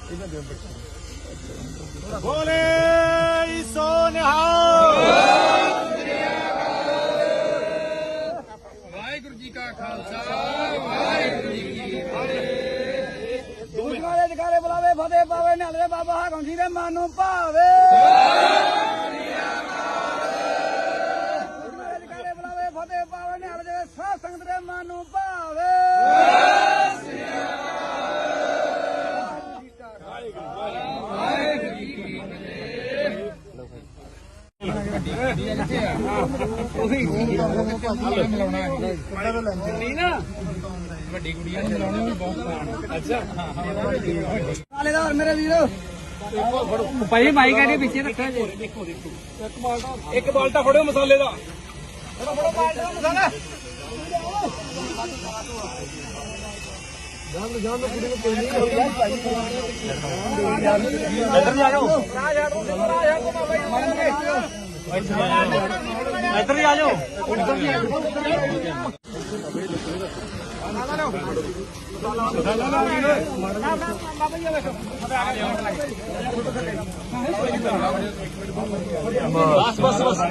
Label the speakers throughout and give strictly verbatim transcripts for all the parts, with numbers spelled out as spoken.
Speaker 1: बोले सो निहाल।
Speaker 2: वाहिगुरु जी का खालसा वाहिगुरु जी की फतेह।
Speaker 3: दुनिया जगारे बुलावे फतेह पावे नाले बाबा हाकम जी दे मानो भावे। दुनिया जगारे बुलावे फतेह पावे नाले साध संगत दे मानो भावे।
Speaker 2: ਵੱਡੀ ਕੁੜੀਆਂ ਨੂੰ ਮਿਲਾਉਣਾ ਵੀ ਬਹੁਤ ਆਸਾਨ। ਅੱਛਾ
Speaker 3: ਨਾਲੇਦਾਰ ਮੇਰੇ ਵੀਰੋ
Speaker 2: ਭਾਈ ਮਾਈ ਕਹਿੰਦੇ ਪਿੱਛੇ ਰੱਖਿਆ ਜੇ। ਦੇਖੋ ਦੇਖੋ ਇੱਕ ਬਾਲਟਾ ਇੱਕ ਬਾਲਟਾ ਫੜਿਓ ਮਸਾਲੇ ਦਾ।
Speaker 3: ਫੜੋ ਫੜੋ ਬਾਲਟਾ ਮਸਾਲਾ। ਜਾਨ ਜਾਨ ਕੁੜੀ ਨੂੰ ਕੋਈ ਨਹੀਂ
Speaker 1: ਇੱਧਰ ਨੂੰ ਆ ਜਾਓ, ਇੱਧਰ ਹੀ ਆ ਜਾਓ। ਬਸ ਬਸ ਬਸ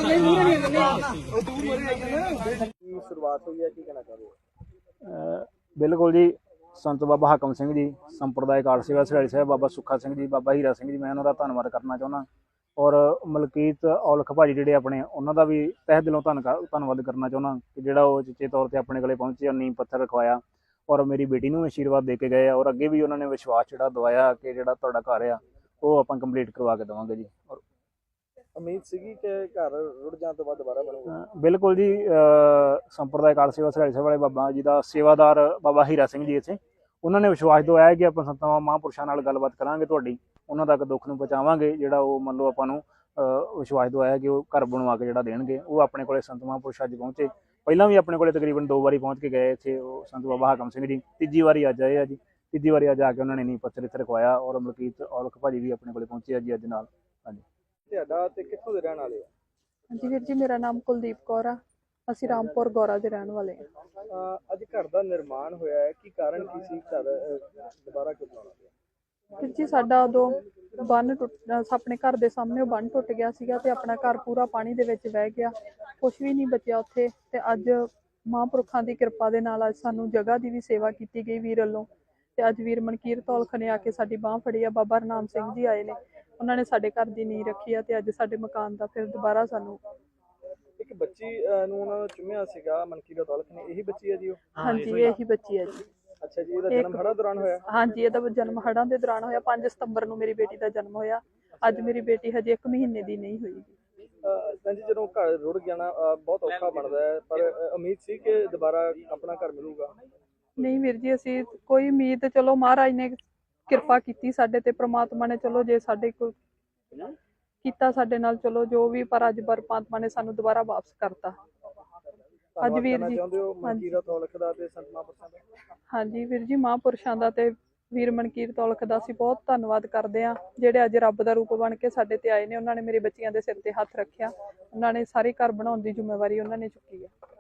Speaker 3: ਸ਼ੁਰੂਆਤ ਹੋਈ ਹੈ ਕੀ ਕਹਿਣਾ ਚਾਹੁੰਦੇ ਹੋ?
Speaker 4: ਬਿਲਕੁਲ ਜੀ, ਸੰਤ ਬਾਬਾ ਹਾਕਮ ਸਿੰਘ ਜੀ, ਸੰਪਰਦਾਇ ਕਾਰ ਸੇਵਾ ਸਰਾੜੀ ਸਾਹਿਬ, ਬਾਬਾ ਸੁੱਖਾ ਸਿੰਘ ਜੀ, ਬਾਬਾ ਹੀਰਾ ਸਿੰਘ ਜੀ, ਮੈਂ ਉਹਨਾਂ ਦਾ ਧੰਨਵਾਦ ਕਰਨਾ ਚਾਹੁੰਦਾ। ਔਰ ਮਲਕੀਤ ਔਲਖ ਭਾਜੀ ਜਿਹੜੇ ਆਪਣੇ, ਉਹਨਾਂ ਦਾ ਵੀ ਤਹਿ ਦਿਲੋਂ ਧੰਨ ਧੰਨਵਾਦ ਕਰਨਾ ਚਾਹੁੰਦਾ ਕਿ ਜਿਹੜਾ ਉਹ ਚੇਚੇ ਤੌਰ 'ਤੇ ਆਪਣੇ ਕੋਲੇ ਪਹੁੰਚੇ, ਨੀਂਹ ਪੱਥਰ ਰਖਵਾਇਆ ਔਰ ਮੇਰੀ ਬੇਟੀ ਨੂੰ ਆਸ਼ੀਰਵਾਦ ਦੇ ਕੇ ਗਏ। ਔਰ ਅੱਗੇ ਵੀ ਉਹਨਾਂ ਨੇ ਵਿਸ਼ਵਾਸ ਜਿਹੜਾ ਦਵਾਇਆ ਕਿ ਜਿਹੜਾ ਤੁਹਾਡਾ ਘਰ ਆ ਉਹ ਆਪਾਂ ਕੰਪਲੀਟ ਕਰਵਾ ਕੇ ਦੇਵਾਂਗੇ ਜੀ। ਔਰ
Speaker 3: ਉਮੀਦ ਸੀਗੀ ਕਿ ਘਰ ਰੁੜ ਜਾਣ ਤੋਂ ਬਾਅਦ ਦੁਬਾਰਾ ਬਣੂਗਾ?
Speaker 4: ਬਿਲਕੁਲ ਜੀ, ਸੰਪਰਦਾਇ ਕਾਰ ਸੇਵਾ ਸਰਾੜੀ ਸਾਹਿਬ ਵਾਲੇ ਬਾਬਾ ਜੀ ਦਾ ਸੇਵਾਦਾਰ ਬਾਬਾ ਹੀਰਾ ਸਿੰਘ ਜੀ ਇੱਥੇ, ਉਹਨਾਂ ਨੇ ਵਿਸ਼ਵਾਸ ਦਵਾਇਆ ਕਿ ਆਪਾਂ ਸੰਤਾਂ ਮਹਾਂਪੁਰਸ਼ਾਂ ਨਾਲ ਗੱਲਬਾਤ ਕਰਾਂਗੇ, ਤੁਹਾਡੀ ਉਹਨਾਂ ਤੱਕ ਦੁੱਖ ਨੂੰ ਪਹੁੰਚਾਵਾਂਗੇ। ਜਿਹੜਾ ਉਹ ਮੰਨ ਲਓ ਆਪਾਂ ਨੂੰ ਵਿਸ਼ਵਾਸ ਦਵਾਇਆ ਕਿ ਉਹ ਘਰ ਬਣਵਾ ਕੇ ਜਿਹੜਾ ਦੇਣਗੇ। ਉਹ ਆਪਣੇ ਕੋਲੇ ਸੰਤ ਮਹਾਂਪੁਰਸ਼ ਅੱਜ ਪਹੁੰਚੇ, ਪਹਿਲਾਂ ਵੀ ਆਪਣੇ ਕੋਲੇ ਤਕਰੀਬਨ ਦੋ ਵਾਰੀ ਪਹੁੰਚ ਕੇ ਗਏ ਇੱਥੇ ਉਹ ਸੰਤ ਬਾਬਾ ਹਾਕਮ ਸਿੰਘ ਜੀ। ਤੀਜੀ ਵਾਰੀ ਅੱਜ ਆਏ ਆ ਜੀ, ਤੀਜੀ ਵਾਰੀ ਅੱਜ ਆ ਕੇ ਉਹਨਾਂ ਨੇ ਨੀਂਹ ਪੱਥਰ ਇੱਥੇ ਰਖਵਾਇਆ। ਔਰ ਮਲਕੀਤ ਔਲਖ ਭਾਜੀ ਵੀ ਆਪਣੇ ਕੋਲੇ ਪਹੁੰਚੇ ਆ ਜੀ ਅੱਜ ਨਾਲ। ਹਾਂਜੀ,
Speaker 3: ਤੁਹਾਡਾ ਤੇ ਕਿੱਥੋਂ ਦੇ ਰਹਿਣ ਵਾਲੇ ਆ?
Speaker 5: ਹਾਂਜੀ ਵੀਰ ਜੀ, ਮੇਰਾ ਨਾਮ ਕੁਲਦੀਪ ਕੌਰ ਆ, ਅਸੀਂ ਰਾਮਪੁਰ ਗੌਰਾ ਦੇ ਰਹਿਣ ਵਾਲੇ ਹਾਂ।
Speaker 3: ਅੱਜ ਘਰ ਦਾ ਨਿਰਮਾਣ ਹੋਇਆ ਹੈ, ਕੀ ਕਾਰਨ ਕੀ ਸੀ ਘਰ ਦੁਬਾਰਾ ਕਿਉਂ ਬਣਾਉਣਾ ਪਿਆ?
Speaker 5: ਵੀਰ ਜੀ, ਸਾਡਾ ਉਦੋਂ ਬੰਨ ਟੁੱਟ ਆਪਣੇ ਘਰ ਦੇ ਸਾਹਮਣੇ ਉਹ ਬੰਨ ਟੁੱਟ ਗਿਆ ਸੀਗਾ ਤੇ ਆਪਣਾ ਘਰ ਪੂਰਾ ਪਾਣੀ ਦੇ ਵਿੱਚ ਵਹਿ ਗਿਆ, ਕੁਛ ਵੀ ਨਹੀਂ ਬਚਿਆ ਉੱਥੇ। ਤੇ ਅੱਜ ਮਹਾਂਪੁਰਖਾਂ ਦੀ ਕਿਰਪਾ ਦੇ ਨਾਲ ਅੱਜ ਸਾਨੂੰ ਜਗ੍ਹਾ ਦੀ ਵੀ ਸੇਵਾ ਕੀਤੀ ਗਈ ਵੀਰ ਵੱਲੋਂ। ਤੇ ਅੱਜ ਵੀਰ ਮਨਕੀਰਤ ਔਲਖ ਨੇ ਆ ਕੇ ਸਾਡੀ ਬਾਂਹ ਫੜੀ ਆ, ਬਾਬਾ ਹਰਨਾਮ ਸਿੰਘ ਜੀ ਆਏ ਨੇ, ਉਹਨਾਂ ਨੇ ਸਾਡੇ ਘਰ ਦੀ ਨੀਂਹ ਰੱਖੀ ਆ ਤੇ ਅੱਜ ਸਾਡੇ ਮਕਾਨ ਦਾ ਫਿਰ ਦੁਬਾਰਾ ਸਾਨੂੰ।
Speaker 3: ਇੱਕ ਬੱਚੀ ਨੂੰ ਉਹਨਾਂ ਨੇ ਚੁੰਮਿਆ ਸੀਗਾ ਮਨਕੀਰਤ ਔਲਖ ਨੇ, ਇਹੀ ਬੱਚੀ ਹੈ ਜੀ ਉਹ?
Speaker 5: ਹਾਂਜੀ, ਇਹੀ ਬੱਚੀ ਹੈ ਜੀ।
Speaker 3: ਅੱਛਾ ਜੀ, ਇਹਦਾ ਜਨਮ ਹੜ੍ਹਾਂ ਦੌਰਾਨ ਹੋਇਆ?
Speaker 5: ਹਾਂਜੀ, ਇਹਦਾ ਜਨਮ ਹੜ੍ਹਾਂ ਦੇ ਦੌਰਾਨ ਹੋਇਆ। ਪੰਜ ਸਤੰਬਰ ਨੂੰ ਮੇਰੀ ਬੇਟੀ ਦਾ ਜਨਮ ਹੋਇਆ। ਅੱਜ ਮੇਰੀ ਬੇਟੀ ਹਜੇ ਇੱਕ ਮਹੀਨੇ ਦੀ ਨਹੀਂ ਹੋਈ।
Speaker 3: ਜੀ, ਜਦੋਂ ਘਰ ਰੁੜ ਗਿਆ ਨਾ ਬਹੁਤ ਔਖਾ ਬਣਦਾ ਹੈ, ਪਰ ਉਮੀਦ ਸੀ ਕਿ ਦੁਬਾਰਾ ਆਪਣਾ ਘਰ ਮਿਲੂਗਾ?
Speaker 5: ਨਹੀਂ ਵੀਰ ਜੀ, ਅਸੀਂ ਕੋਈ ਉਮੀਦ, ਚਲੋ ਮਹਾਰਾਜ ਨੇ ਕਿਰਪਾ ਕੀਤੀ ਸਾਡੇ ਤੇ, ਪ੍ਰਮਾਤਮਾ ਨੇ ਚਲੋ ਜੇ ਸਾਡੇ ਕੋਲ ਕੀਤਾ ਸਾਡੇ ਨਾਲ, ਚਲੋ ਜੋ ਵੀ, ਪਰ ਅੱਜ ਪਰਮਾਤਮਾ ਨੇ ਸਾਨੂੰ ਦੁਬਾਰਾ ਵਾਪਸ ਕਰਤਾ। ਅੱਜ ਵੀਰ ਜੀ,
Speaker 3: ਮਨਕੀਰਤ ਔਲਖ ਦਾ ਤੇ ਸੰਤ ਮਹਾਂਪੁਰਸ਼ਾਂ ਦਾ?
Speaker 5: ਹਾਂਜੀ ਵੀਰ ਜੀ, ਮਹਾਂਪੁਰਸ਼ਾਂ ਦਾ ਤੇ ਵੀਰ ਮਨਕੀਰਤ ਔਲਖ ਦਾ ਅਸੀਂ ਬਹੁਤ ਧੰਨਵਾਦ ਕਰਦੇ ਹਾਂ, ਜਿਹੜੇ ਅੱਜ ਰੱਬ ਦਾ ਰੂਪ ਬਣ ਕੇ ਸਾਡੇ ਤੇ ਆਏ ਨੇ। ਉਹਨਾਂ ਨੇ ਮੇਰੇ ਬੱਚਿਆਂ ਦੇ ਸਿਰ ਤੇ ਹੱਥ ਰੱਖਿਆ, ਉਹਨਾਂ ਨੇ ਸਾਰੇ ਘਰ ਬਣਾਉਣ ਦੀ ਜ਼ਿੰਮੇਵਾਰੀ ਉਹਨਾਂ ਨੇ ਚੁੱਕੀ ਹੈ।